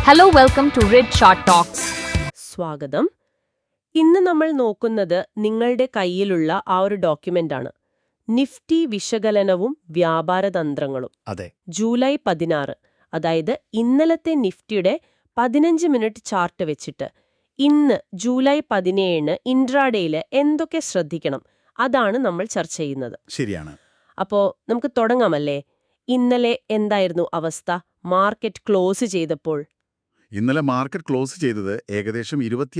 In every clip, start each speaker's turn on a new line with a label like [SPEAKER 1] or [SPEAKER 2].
[SPEAKER 1] Hello, welcome to Red Short Talks.
[SPEAKER 2] സ്വാഗതം. ഇന്ന് നമ്മൾ നോക്കുന്നത് നിങ്ങളുടെ കയ്യിലുള്ള ആ ഒരു ഡോക്യുമെന്റ് ആണ്. നിഫ്റ്റി വിശകലനവും വ്യാപാരതന്ത്രങ്ങളും.
[SPEAKER 3] അതെ.
[SPEAKER 2] ജൂലൈ 16, അതായത് ഇന്നലത്തെ നിഫ്റ്റിയുടെ 15 മിനിറ്റ് ചാർട്ട് വെച്ചിട്ട് ഇന്ന് ജൂലൈ 17 ഇൻട്രാഡേയിൽ എന്തൊക്കെ ശ്രദ്ധിക്കണം, അതാണ് നമ്മൾ ചർച്ച ചെയ്യുന്നത്.
[SPEAKER 3] ശരിയാണ്.
[SPEAKER 2] അപ്പോൾ നമുക്ക് തുടങ്ങാമല്ലേ? ഇന്നലെ എന്തായിരുന്നു അവസ്ഥ മാർക്കറ്റ് ക്ലോസ് ചെയ്തപ്പോൾ?
[SPEAKER 3] ഇന്നലെ മാർക്കറ്റ് ക്ലോസ് ചെയ്തത് ഏകദേശം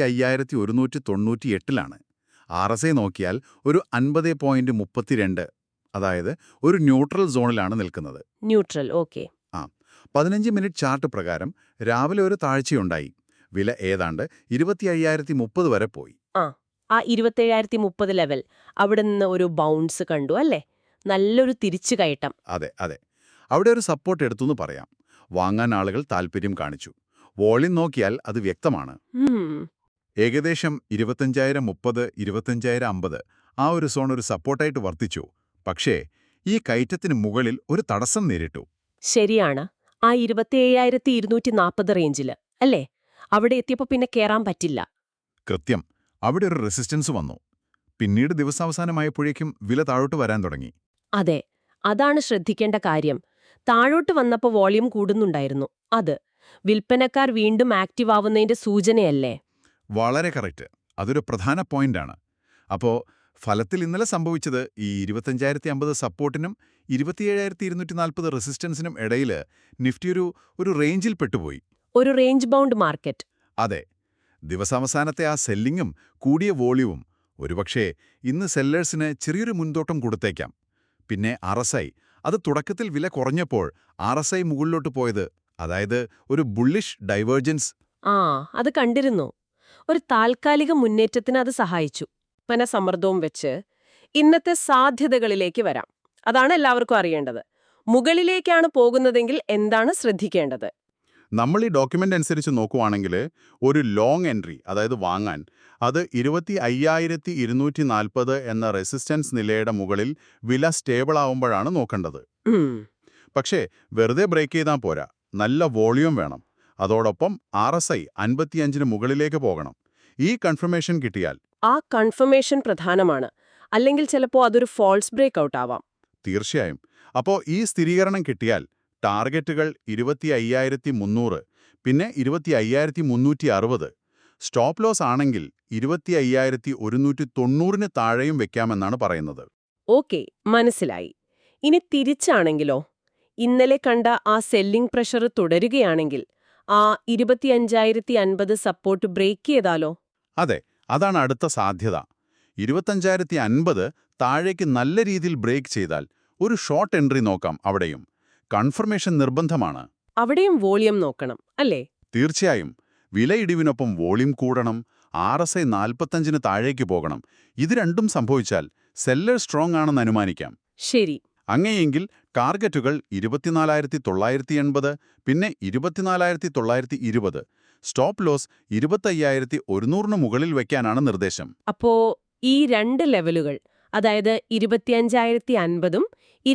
[SPEAKER 3] 25,198-ലാണ്. RSI നോക്കിയാൽ ഒരു 50.32, അതായത് ഒരു ന്യൂട്രൽ സോണിലാണ് നിൽക്കുന്നത്.
[SPEAKER 2] Neutral, okay.
[SPEAKER 3] 15 മിനിറ്റ് ചാർട്ട് പ്രകാരം രാവിലെ ഒരു താഴ്ചയുണ്ടായി. വില ഏതാണ്ട് 25,030 വരെ പോയി.
[SPEAKER 2] ആ 27,030 ലെവൽ, അവിടെ നിന്ന് ഒരു ബൗൺസ് കണ്ടു അല്ലേ? നല്ലൊരു തിരിച്ചു കയറ്റം.
[SPEAKER 3] അതെ. അവിടെ ഒരു സപ്പോർട്ട് എടുത്തുനിന്ന് പറയാം. വാങ്ങാൻ ആളുകൾ താൽപ്പര്യം കാണിച്ചു. വോളിയം നോക്കിയാൽ അത് വ്യക്തമാണ്. ഏകദേശം 25,030, 25,050 ആ ഒരു സോൺ ഒരു സപ്പോർട്ടായിട്ട് വർത്തിച്ചു. പക്ഷേ ഈ കയറ്റത്തിന് മുകളിൽ ഒരു തടസ്സം നേരിട്ടു.
[SPEAKER 2] ശരിയാണ്, ആ 27,240 റേഞ്ചില് അല്ലേ? അവിടെ എത്തിയപ്പോൾ പിന്നെ കേറാൻ പറ്റില്ല.
[SPEAKER 3] കൃത്യം, അവിടെ ഒരു റെസിസ്റ്റൻസ് വന്നു. പിന്നീട് ദിവസാവസാനമായപ്പോഴേക്കും വില താഴോട്ട് വരാൻ തുടങ്ങി.
[SPEAKER 2] അതെ, അതാണ് ശ്രദ്ധിക്കേണ്ട കാര്യം. താഴോട്ട് വന്നപ്പോൾ വോളിയം കൂടുന്നുണ്ടായിരുന്നു. അത് വിൽപ്പനക്കാർ വീണ്ടും ആക്റ്റീവ് ആവുന്നതിന്റെ സൂചനയല്ലേ?
[SPEAKER 3] വളരെ കറക്റ്റ്. അതൊരു പ്രധാന പോയിന്റാണ്. അപ്പോൾ ഫലത്തിൽ ഇന്നലെ സംഭവിച്ചത് ഈ 25,050 സപ്പോർട്ടിനും 27,240 റെസിസ്റ്റൻസിനും ഇടയിൽ നിഫ്റ്റി ഒരു റേഞ്ചിൽ പെട്ടുപോയി.
[SPEAKER 2] ഒരു റേഞ്ച് ബൗണ്ട് മാർക്കറ്റ്.
[SPEAKER 3] അതെ. ദിവസാവസാനത്തെ ആ സെല്ലിങ്ങും കൂടിയ വോളിയവും ഒരുപക്ഷേ ഇന്ന് സെല്ലേഴ്സിന് ചെറിയൊരു മുൻതോട്ടം കൊടുത്തേക്കാം. പിന്നെ RSI, അത് തുടക്കത്തിൽ വില കുറഞ്ഞപ്പോൾ RSI മുകളിലോട്ട് പോയത്, അതായത് ഒരു ബുള്ളിഷ് ഡൈവേർജൻസ്.
[SPEAKER 2] അത് കണ്ടിരുന്നു. ഒരു താൽക്കാലിക മുന്നേറ്റത്തിന് അത് സഹായിച്ചു. സമ്മർദ്ദവും വെച്ച് ഇന്നത്തെ സാധ്യതകളിലേക്ക് വരാം. അതാണ് എല്ലാവർക്കും അറിയേണ്ടത്. മുകളിലേക്കാണ് പോകുന്നതെങ്കിൽ എന്താണ് ശ്രദ്ധിക്കേണ്ടത്?
[SPEAKER 3] നമ്മൾ ഈ ഡോക്യുമെന്റ് അനുസരിച്ച് നോക്കുവാണെങ്കിൽ ഒരു ലോങ് എൻട്രി, അതായത് വാങ്ങാൻ, അത് 25,240 എന്ന റെസിസ്റ്റൻസ് നിലയുടെ മുകളിൽ വില സ്റ്റേബിൾ ആവുമ്പോഴാണ് നോക്കേണ്ടത്. പക്ഷേ വെറുതെ ബ്രേക്ക് ചെയ്താൽ പോരാ, നല്ല വോളിയം വേണം. അതോടൊപ്പം RSI 55-ന് മുകളിലേക്ക് പോകണം. ഈ കൺഫർമേഷൻ കിട്ടിയാൽ.
[SPEAKER 2] ആ കൺഫർമേഷൻ പ്രധാനമാണ്. അല്ലെങ്കിൽ ചിലപ്പോൾ അതൊരു ഫോൾസ് ബ്രേക്ക് ഔട്ട് ആവാം.
[SPEAKER 3] തീർച്ചയായും. അപ്പോൾ ഈ സ്ഥിരീകരണം കിട്ടിയാൽ ടാർഗറ്റുകൾ 25,300, പിന്നെ 25,360. സ്റ്റോപ്പ് ലോസ് ആണെങ്കിൽ 25,190-ന് താഴെയും വെക്കാമെന്നാണ് പറയുന്നത്.
[SPEAKER 2] ഓക്കെ, മനസ്സിലായി. ഇനി തിരിച്ചാണെങ്കിലോ? ഇന്നലെ കണ്ട ആ സെല്ലിംഗ് പ്രഷർ തുടരുകയാണെങ്കിൽ ആ 25,050 സപ്പോർട്ട് ബ്രേക്ക് ചെയ്താലോ?
[SPEAKER 3] അതെ, അതാണ് അടുത്ത സാധ്യത. 25,050 താഴേക്ക് നല്ല രീതിയിൽ ബ്രേക്ക് ചെയ്താൽ ഒരു ഷോർട്ട് എൻട്രി നോക്കാം. അവിടെയും കൺഫർമേഷൻ നിർബന്ധമാണ്.
[SPEAKER 2] അവിടെയും വോളിയം നോക്കണം അല്ലേ?
[SPEAKER 3] തീർച്ചയായും. വിലയിടിവിനൊപ്പം വോളിയം കൂടണം. RSI 45-ന് താഴേക്ക് പോകണം. ഇത് രണ്ടും സംഭവിച്ചാൽ സെല്ലർ സ്ട്രോങ് ആണെന്ന് അനുമാനിക്കാം.
[SPEAKER 2] ശരി.
[SPEAKER 3] അങ്ങനെയെങ്കിൽ ടാർഗറ്റുകൾ 24,980, പിന്നെ 24,920. സ്റ്റോപ്പ് ലോസ് 25,100-ന് മുകളിൽ വയ്ക്കാനാണ് നിർദ്ദേശം.
[SPEAKER 2] അപ്പോ ഈ രണ്ട് ലെവലുകൾ, അതായത് 25,050-ഉം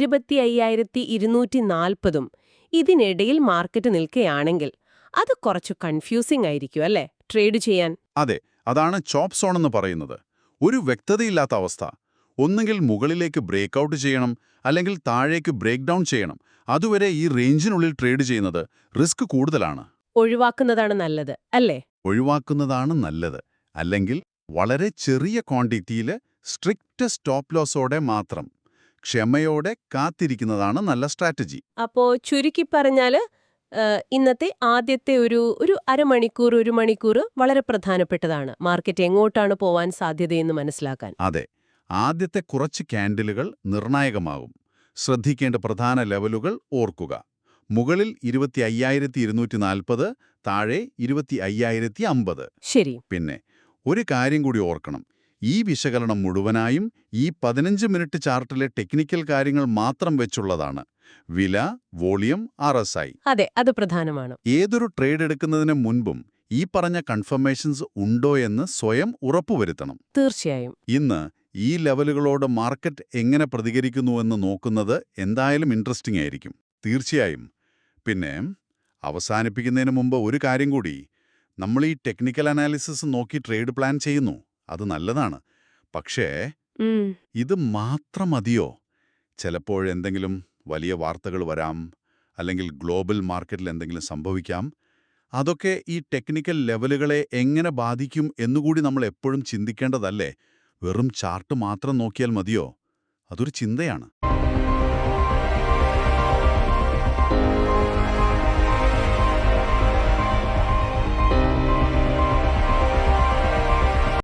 [SPEAKER 2] 25,240-ഉം, ഇതിനിടയിൽ മാർക്കറ്റ് നിൽക്കുകയാണെങ്കിൽ അത് കുറച്ചു കൺഫ്യൂസിംഗ് ആയിരിക്കും അല്ലേ ട്രേഡ് ചെയ്യാൻ?
[SPEAKER 3] അതെ, അതാണ് ചോപ്പ് സോൺ എന്ന് പറയുന്നത്. ഒരു വ്യക്തതയില്ലാത്ത അവസ്ഥ. ഒന്നുകിൽ മുകളിലേക്ക് ബ്രേക്ക് ഔട്ട് ചെയ്യണം, അല്ലെങ്കിൽ താഴേക്ക് ബ്രേക്ക് ഡൗൺ ചെയ്യണം. അതുവരെ ഈ റേഞ്ചിനുള്ളിൽ ട്രേഡ് ചെയ്യുന്നത് റിസ്ക് കൂടുതലാണ്.
[SPEAKER 2] ഒഴിവാക്കുന്നതാണ് നല്ലത് അല്ലേ?
[SPEAKER 3] ഒഴിവാക്കുന്നതാണ് നല്ലത്. അല്ലെങ്കിൽ വളരെ ചെറിയ ക്വാണ്ടിറ്റിയിൽ സ്ട്രിക്റ്റ് സ്റ്റോപ്പ് ലോസോടെ മാത്രം ക്ഷമയോടെ കാത്തിരിക്കുന്നതാണ് നല്ല സ്ട്രാറ്റജി.
[SPEAKER 2] അപ്പോ ചുരുക്കി പറഞ്ഞാല് ഇന്നത്തെ ആദ്യത്തെ ഒരു അരമണിക്കൂർ, 1 മണിക്കൂർ വളരെ പ്രധാനപ്പെട്ടതാണ് മാർക്കറ്റ് എങ്ങോട്ടാണ് പോവാൻ സാധ്യതയെന്ന് മനസ്സിലാക്കാൻ.
[SPEAKER 3] അതെ, ആദ്യത്തെ കുറച്ച് ക്യാൻഡിലുകൾ നിർണായകമാകും. ശ്രദ്ധിക്കേണ്ട പ്രധാന ലെവലുകൾ ഓർക്കുക. മുകളിൽ 25,240, താഴെ 25,050.
[SPEAKER 2] ശരി.
[SPEAKER 3] പിന്നെ ഒരു കാര്യം കൂടി ഓർക്കണം. ഈ വിശകലനം മുഴുവനായും ഈ 15 മിനിറ്റ് ചാർട്ടിലെ ടെക്നിക്കൽ കാര്യങ്ങൾ മാത്രം വെച്ചുള്ളതാണ്. വില, വോളിയം, RSI.
[SPEAKER 2] അതെ, അത് പ്രധാനമാണ്.
[SPEAKER 3] ഏതൊരു ട്രേഡ് എടുക്കുന്നതിന് മുൻപും ഈ പറഞ്ഞ കൺഫർമേഷൻസ് ഉണ്ടോ എന്ന് സ്വയം ഉറപ്പുവരുത്തണം.
[SPEAKER 2] തീർച്ചയായും.
[SPEAKER 3] ഇന്ന് ഈ ലെവലുകളോട് മാർക്കറ്റ് എങ്ങനെ പ്രതികരിക്കുന്നുവെന്ന് നോക്കുന്നത് എന്തായാലും ഇൻട്രസ്റ്റിംഗ് ആയിരിക്കും. തീർച്ചയായും. പിന്നെ അവസാനിപ്പിക്കുന്നതിന് മുമ്പ് ഒരു കാര്യം കൂടി. നമ്മൾ ഈ ടെക്നിക്കൽ അനാലിസിസ് നോക്കി ട്രേഡ് പ്ലാൻ ചെയ്യുന്നു. അത് നല്ലതാണ്. പക്ഷേ
[SPEAKER 2] ഉം,
[SPEAKER 3] ഇത് മാത്രം മതിയോ? ചിലപ്പോഴെന്തെങ്കിലും വലിയ വാർത്തകൾ വരാം, അല്ലെങ്കിൽ ഗ്ലോബൽ മാർക്കറ്റിൽ എന്തെങ്കിലും സംഭവിക്കാം. അതൊക്കെ ഈ ടെക്നിക്കൽ ലെവലുകളെ എങ്ങനെ ബാധിക്കും എന്നുകൂടി നമ്മൾ എപ്പോഴും ചിന്തിക്കേണ്ടതല്ലേ? വെറും ചാർട്ട് മാത്രം നോക്കിയാൽ മതിയോ? അതൊരു ചിന്തയാണ്.